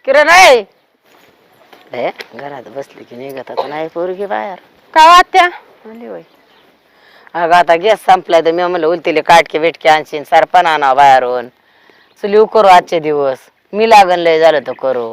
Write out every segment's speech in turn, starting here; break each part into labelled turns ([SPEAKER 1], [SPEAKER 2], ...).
[SPEAKER 1] किरण आहे घरात बसली की निघत आता नाही पोरगी बाहेर
[SPEAKER 2] काय वाटत्या
[SPEAKER 1] आली होय. अगं आता गॅस संपलाय तर मी म्हणलं उलतीले काटके बिटके आणशीन सरपण आणा बाहेरून चुली करू आजचे दिवस मी लागन लय झालं तर करू.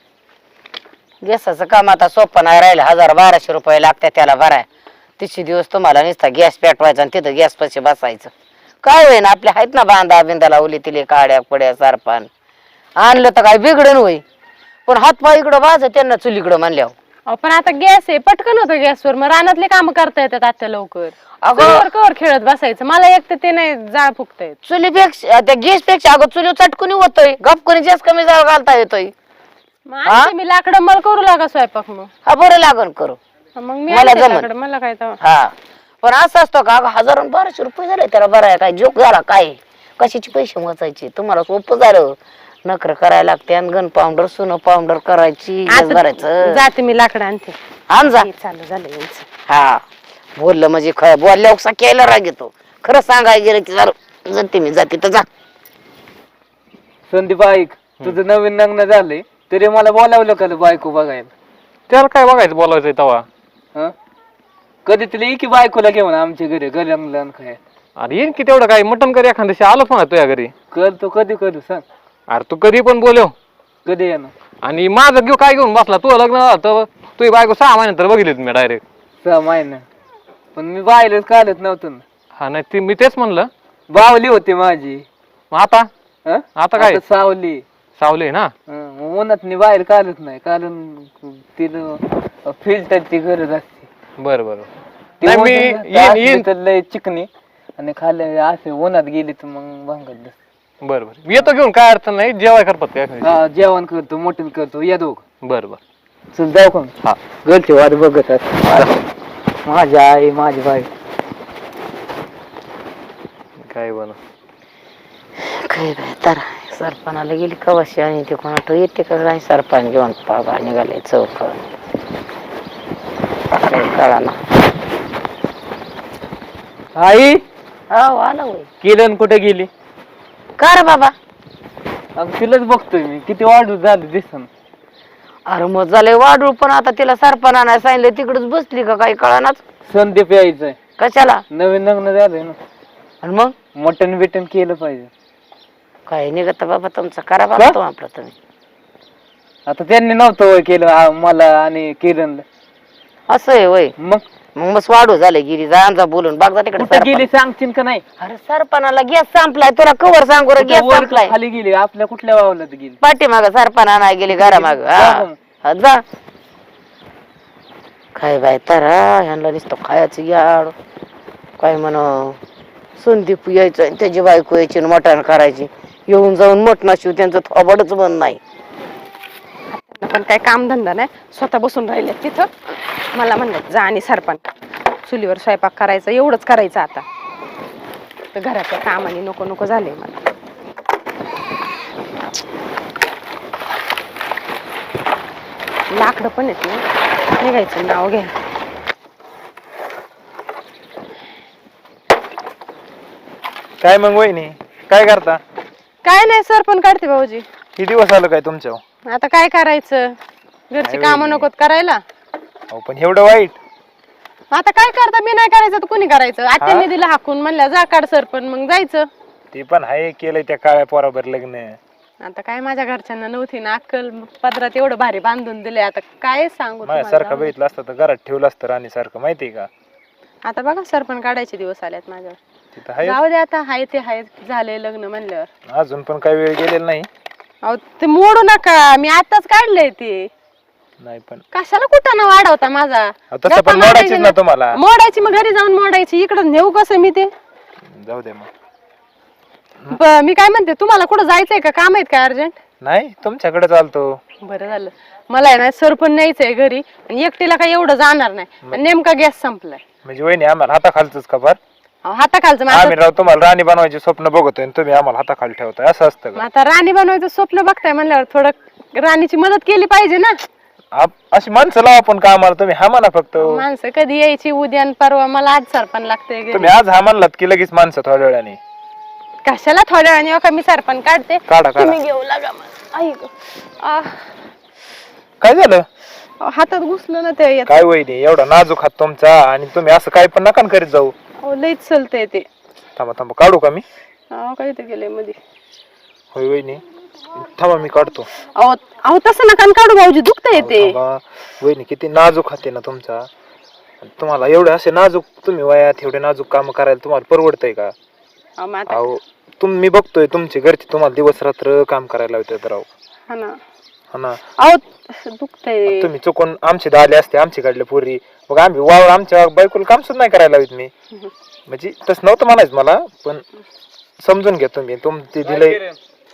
[SPEAKER 1] गॅसाचं काम आता सोपं नाही राहिलं 1000-1200 रुपये लागतात त्याला भराय. 30 दिवस तुम्हाला नुसता गॅस पेटवायचा आणि तिथं गॅस पाशी बसायचं. काय होईन आपल्या आहेत ना बांधा बिंदाला उली तिले काड्या पड्या सरपण आणलं तर काय बिघडन होई पण हातपाय इकडं वाज त्यांना चुलीकडं म्हणल्यावर.
[SPEAKER 2] पण आता गॅस आहे पटकन होतं गॅसवर मग रानातले काम करता येतात आता लवकर.
[SPEAKER 1] अगं
[SPEAKER 2] कवर खेळत बसायचं मला एक तर ते नाही जाळ फुकता येत.
[SPEAKER 1] चुलीपेक्षा त्या गॅस पेक्षा अगं चुली चटकुनी होतोय गपकुनी जास्त कमी जाळ घालता येतोय.
[SPEAKER 2] मी लाकडं मळ करू लागा स्वयंपाक मग.
[SPEAKER 1] हा बरं लागन करू
[SPEAKER 2] मग मी
[SPEAKER 1] मला
[SPEAKER 2] आणते
[SPEAKER 1] जमलं.
[SPEAKER 2] लाकडं, मला काय तर.
[SPEAKER 1] हा पण असं असतं का 1000-1200 रुपये झाले त्याला बरं आहे काय जोक झाला काय कशाचे पैसे मोजायचे तुम्हाला सोपं झालं. नखर करायला लागते आणि गन पावडर सुन पावडर करायची भरायचं.
[SPEAKER 2] जाते मी लाकडं आणते.
[SPEAKER 1] आण जा.
[SPEAKER 2] चालू झालं यांचं.
[SPEAKER 1] हा बोललं म्हणजे बोलल्या केला राग येतो. खरं सांगायला गेलं की झालं जाते मी जाते तर जा.
[SPEAKER 3] संदीप ऐक तुझं नवीन लग्न झालंय तरी मला बोलावलं का बायको बघायला.
[SPEAKER 4] त्याला काय बघायचं बोलायचंय तवा.
[SPEAKER 3] हं? कधी तुला की बायकोला घेऊन आमच्या घरी गरम काय.
[SPEAKER 4] अरे येईन की तेवढं काय मटण कर एखाद्या दिवशी आलोच म्हणा तुझ्या घरी.
[SPEAKER 3] करतो कधी करू सांग.
[SPEAKER 4] अरे तू कधी पण बोलव
[SPEAKER 3] कधी येणार.
[SPEAKER 4] आणि माझं घेऊ काय घेऊन बसला तू लग्न झालं तर तुझी बायको 6 महिन्यानंतर बघितली तुम्ही डायरेक्ट.
[SPEAKER 3] 6 महिना पण मी बायलाच काढत नव्हतं ना.
[SPEAKER 4] हा नाही ती मी तेच म्हणलं.
[SPEAKER 3] बावली होती माझी.
[SPEAKER 4] मग आता
[SPEAKER 3] हं?
[SPEAKER 4] आता काय
[SPEAKER 3] सावली
[SPEAKER 4] सावली ना.
[SPEAKER 3] उन्हात मी बाहेर काढत नाही कारण तिला फिल्टरची गरज असते.
[SPEAKER 4] बरं बरं
[SPEAKER 3] ती
[SPEAKER 4] नाही मी
[SPEAKER 3] उन्हात
[SPEAKER 4] येईन
[SPEAKER 3] असली
[SPEAKER 4] येईन.
[SPEAKER 3] तर लय चिकनी आणि खाली असे उन्हात गेली तर मग भांगत बस.
[SPEAKER 4] बरं बरं येतो घेऊन काय अडचण नाही जेवाय करतात काय.
[SPEAKER 3] हा जेवण करतो मटण करतो या दोघ.
[SPEAKER 4] बरं बरं
[SPEAKER 3] चल जाऊ का.
[SPEAKER 4] हा
[SPEAKER 3] घरचे वाट बघत असत माझी आई माझी बाई.
[SPEAKER 4] काय बन
[SPEAKER 1] काय बाय तर सरपणाला गेली कवाशी आणि ते कोणा येते का काय सरपण घेऊन पागा निघाले चौक कळा ना.
[SPEAKER 3] आई
[SPEAKER 1] हो आला होय.
[SPEAKER 3] किरण कुठे गेली.
[SPEAKER 1] का रे बाबा.
[SPEAKER 3] अगं तिलाच बघतोय मी किती वाढू झाली दिसन.
[SPEAKER 1] अरे मग झालंय वाढू पण आता तिला सरपण आणायला सांगितलं तिकडच बसली का काही कळानाच.
[SPEAKER 3] संदीप यायचंय
[SPEAKER 1] कशाला
[SPEAKER 3] नवीन लग्न झालंय ना.
[SPEAKER 1] आणि मग
[SPEAKER 3] मटण बिटन केलं पाहिजे.
[SPEAKER 1] काय निघत बाबा तुमचं करा बाबा तो आपलं तुम्ही.
[SPEAKER 3] आता त्यांनी नव्हतं वय केलं मला आणि किरणला.
[SPEAKER 1] असं आहे वय.
[SPEAKER 3] मग
[SPEAKER 1] मग बस वाढू झाले गिरी जा बोलून बघ जा तिकडे
[SPEAKER 3] कुठे गेली सांगशील का नाही.
[SPEAKER 1] अरे सरपणाला गॅस संपलाय तुला कवर सांगू रे गॅस
[SPEAKER 3] वर
[SPEAKER 1] संपलाय.
[SPEAKER 3] खाली गेली आपल्या कुठल्या वावलात गेली.
[SPEAKER 1] पाठीमाग सरपण आणाय गेली घरामाग. हा जा काय बाय तर ह्यांना दिसतो खायचं याड काय म्हण संदीप यायचं आणि त्याची बायको यायची मटण करायची येऊन जाऊन मटणा शिव त्यांचं थोबडच बंद नाही.
[SPEAKER 2] पण काय काम धंदा नाही स्वतः बसून राहिले तिथं. मला म्हणलं जा आणि सरपण चुलीवर स्वयंपाक करायचा एवढंच करायचं आता. तर घराच्या कामाने नको नको झाले मला. लाकडं पण येत ना निघायचं नाव घ्या.
[SPEAKER 5] काय मग वहिनी काय करता.
[SPEAKER 2] काय नाही सरपण काढते भाऊजी.
[SPEAKER 5] किती दिवस आलं काय तुमच्या.
[SPEAKER 2] आता काय करायचं घरची कामं नकोत करायला.
[SPEAKER 5] अहो पण एवढं वाईट.
[SPEAKER 2] आता काय करता मी नाही करायचं तर कोणी करायचं. आत्याने दिलं हाकून म्हणल्या जा काढ सरपण मग जायचं.
[SPEAKER 5] ते पण आहे केलंय त्या काळ्या पोराबर लग्न.
[SPEAKER 2] आता काय माझ्या घरच्यांना नव्हती ना अक्कल पदरात एवढं भारी बांधून दिले. आता काय सांगू
[SPEAKER 5] माझ्यासारखं बघितलं असतं तर घरात ठेवलं असतं राणी सारखं माहितीये का.
[SPEAKER 2] आता बघा सरपण काढायचे दिवस आल्यात माझ्यावर.
[SPEAKER 5] तिथं आहे
[SPEAKER 2] जाऊ दे आता हाय ते हाय झाले लग्न म्हणल्यावर.
[SPEAKER 5] अजून पण काही वेळ गेलेला नाही.
[SPEAKER 2] अहो ते मोडू नका मी आताच काढलंय ते.
[SPEAKER 5] नाही पण
[SPEAKER 2] कशाला कुठं वाढवता माझा.
[SPEAKER 5] तसं पण मोडायचीच ना तुम्हाला.
[SPEAKER 2] मोडायची मग घरी जाऊन मोडायची इकडं नेऊ कसं मी ते.
[SPEAKER 5] जाऊ दे मग.
[SPEAKER 2] मी काय म्हणते तुम्हाला कुठं जायचंय का काम आहेत का अर्जंट.
[SPEAKER 5] नाही तुमच्याकडे चालतो.
[SPEAKER 2] बरं झालं मला आहे ना सरपण न्यायचंय घरी आणि एकटीला काही एवढं जाणार नाही. नेमका गॅस संपलाय.
[SPEAKER 5] म्हणजे वहिनी आम्हाला हाताखालच का फार.
[SPEAKER 2] हाताखालचं
[SPEAKER 5] आम्ही राव तुम्हाला राणी बनवायचे स्वप्न बघतोय आणि तुम्ही आम्हाला हाताखाली ठेवताय असं असतं का.
[SPEAKER 2] आता राणी बनवायचं स्वप्न बघताय म्हणल्यावर थोडं राणीची मदत केली पाहिजे ना.
[SPEAKER 5] अशी माणसं लावा पण कामाला तुम्ही हा म्हणा फक्त.
[SPEAKER 2] माणसं कधी यायची उद्या आणि परवा मला आज सरपण लागतंय.
[SPEAKER 5] तुम्ही आज हा म्हणलात की लगेच माणसं थोड्या वेळाने.
[SPEAKER 2] कशाला थोड्या वेळाने का मी सरपण काढते.
[SPEAKER 5] काढा काढा.
[SPEAKER 2] तुम्ही घेऊ लागा मला.
[SPEAKER 5] काय झालं
[SPEAKER 2] अहो, हातात घुसलं ना ते यात.
[SPEAKER 5] काय वहिनी एवढा नाजूक हात तुमचा आणि तुम्ही असं काय पण नका करीत जाऊ.
[SPEAKER 2] अहो लईच चलतंय ते.
[SPEAKER 5] थांबा थांबा काढू का मी?
[SPEAKER 2] अहो काय ते गेले मध्ये.
[SPEAKER 5] होय वहिनी थांबा मी काढतो.
[SPEAKER 2] अहो अहो तसं नका न काढू भाऊजी, दुखतंय ते.
[SPEAKER 5] थांबा. वहिनी किती नाजूक हात आहे ना तुमचा. तुम्हाला एवढे असे नाजूक तुम्ही वयात एवढे नाजूक काम करायला तुम्हाला परवडतंय का?
[SPEAKER 2] अहो मग आता
[SPEAKER 5] अहो मी बघतोय तुमचे घरचे तुम्हाला दिवस रात्र काम करायला लावतात राव.
[SPEAKER 2] हा ना.
[SPEAKER 5] हा ना.
[SPEAKER 2] अहो दुखतंय.
[SPEAKER 5] तुम्ही चुकून आमचे आले असते आमची काढले पोरी मग आम्ही वावर आमच्या बायकोला काम सुद्धा नाही करायला लावित मी. म्हणजे तसं नव्हतं म्हणायचं मला पण समजून घ्या तुम्ही तुमचे दिलंय.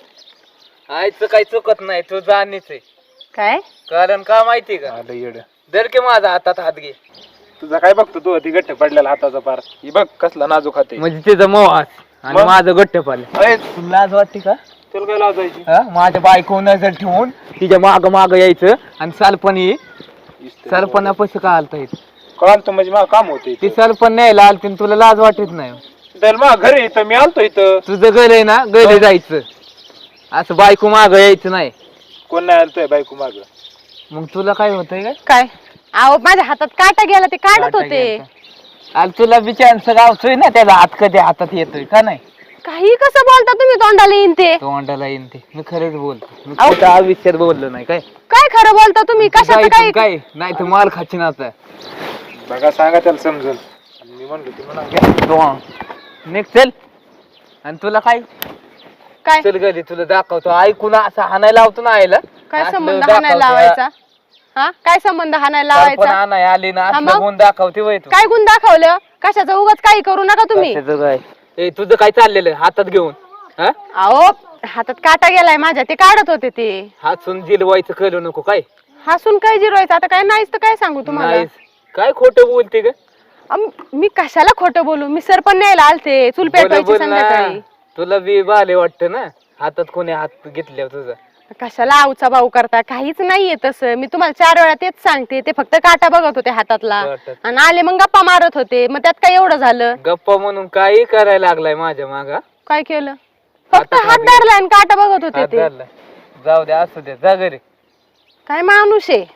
[SPEAKER 3] आईचं काही चुकत नाही, तू जाणीच आहे.
[SPEAKER 2] काय
[SPEAKER 3] कारण का माहिती का?
[SPEAKER 5] आलं येडं.
[SPEAKER 3] दर की माझा हातात हात घे.
[SPEAKER 5] तुझा काय बघतो तू ती गठ्ठ पडलेला हाताचा पार ही बघ कसला नाजूक हात आहे.
[SPEAKER 3] म्हणजे तिचं मोहास आणि
[SPEAKER 5] मग?
[SPEAKER 3] माझं गट्ट पाल.
[SPEAKER 5] अरे,
[SPEAKER 3] तुला लाज वाटते का?
[SPEAKER 5] तुला काय लाजायची?
[SPEAKER 3] माझ्या बायको नजर ठेवून तिच्या माग माग यायचं आणि सालपणी सरपणा पैसे का आलता येत?
[SPEAKER 5] कळाल म्हणजे मला काम होते
[SPEAKER 3] ती सरपण न्यायला आलती आणि तुला लाज वाटत नाही?
[SPEAKER 5] घरी इथं मी आलतो इथं.
[SPEAKER 3] तुझं गल आहे ना, गले जायचं, असं बायको माग यायचं नाही.
[SPEAKER 5] कोण नाही आलतोय बायको माग?
[SPEAKER 3] मग तुला काय होतंय काय?
[SPEAKER 2] काय? अहो माझ्या हातात काटा गेला, ते काढत होते.
[SPEAKER 3] आणि तुला बिचारांचं गावतोय ना, त्याला हात कधी हातात येतोय का नाही?
[SPEAKER 2] काही कसं बोलता तुम्ही, तोंडाला येईन ते.
[SPEAKER 3] तोंडाला येईन ते. मी खरंच बोलतो, मी
[SPEAKER 2] अहो.
[SPEAKER 3] खोटं आयुष्यात बोललो नाही. काय
[SPEAKER 2] काय खरं बोलता तुम्ही? कशाचं
[SPEAKER 3] जायचं
[SPEAKER 2] काय?
[SPEAKER 3] काय नाही तर माल खाची ना आता.
[SPEAKER 5] बघा सांगा त्याला समजून. मी म्हणलो ती म्हणा
[SPEAKER 3] निघ चल. आणि तुला काय
[SPEAKER 2] काय
[SPEAKER 3] चल गली तुला दाखवतो. ऐकून असं हाणायला लावतो ना आईला.
[SPEAKER 2] काय
[SPEAKER 3] असलं
[SPEAKER 2] संबंध
[SPEAKER 3] दाखवतो,
[SPEAKER 2] हाणायला लावायचा? हा काय संबंध हाणायला
[SPEAKER 3] सरपण
[SPEAKER 2] लावायचा?
[SPEAKER 3] आणाय आली ना,
[SPEAKER 2] हा
[SPEAKER 3] असलं
[SPEAKER 2] मग?
[SPEAKER 3] गुण दाखवते वय तू.
[SPEAKER 2] काय गुण दाखवलं? कशाचं उगाच काही करू नका तुम्ही.
[SPEAKER 3] कशाचं काय? ए तुझं काय चाललेलं हातात घेऊन? हा
[SPEAKER 2] अहो हातात काटा गेलाय माझ्या, ते काढत होते ते.
[SPEAKER 3] हातून जिलवायचं करू नको. काय
[SPEAKER 2] हसून काय जिरवायचं? आता काय नाहीच तर काय सांगू तुम्हाला.
[SPEAKER 3] नाहीस. काय खोटं बोलते ग?
[SPEAKER 2] मी कशाला खोटं बोलू? मी सरपण न्यायला आलते, चूल पेटवायची
[SPEAKER 3] बोल ना.
[SPEAKER 2] संध्याकाळी.
[SPEAKER 3] तुला बी बाले वाटतं ना, हातात कोणी हात घेतल्यावर तुझा.
[SPEAKER 2] कशाला आवचा भाऊ करता? काहीच नाहीये तसं. मी तुम्हाला 4 वेळा तेच सांगते. ते फक्त काटा बघत होते हातातला
[SPEAKER 3] वाटत.
[SPEAKER 2] आणि आले मग गप्पा मारत होते. मग त्यात काय एवढं झालं?
[SPEAKER 3] गप्पा म्हणून काही करायला लागलाय माझ्या मागा.
[SPEAKER 2] काय केलं? फक्त
[SPEAKER 3] हातात
[SPEAKER 2] हात
[SPEAKER 3] हात
[SPEAKER 2] धरला आणि काटा बघत होते
[SPEAKER 3] हात
[SPEAKER 2] ते.
[SPEAKER 3] धरलाय. जाऊ दे, असू दे, जा घरी.
[SPEAKER 2] काय माणूस आहे?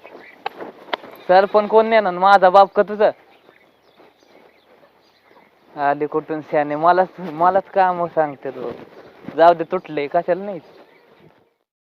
[SPEAKER 3] सरपण कोण नेणार, माझा बाप का तुझा? आले कुठून शाने, मलाच काम सांगते. जाऊ दे, तुटले कशाला नाही.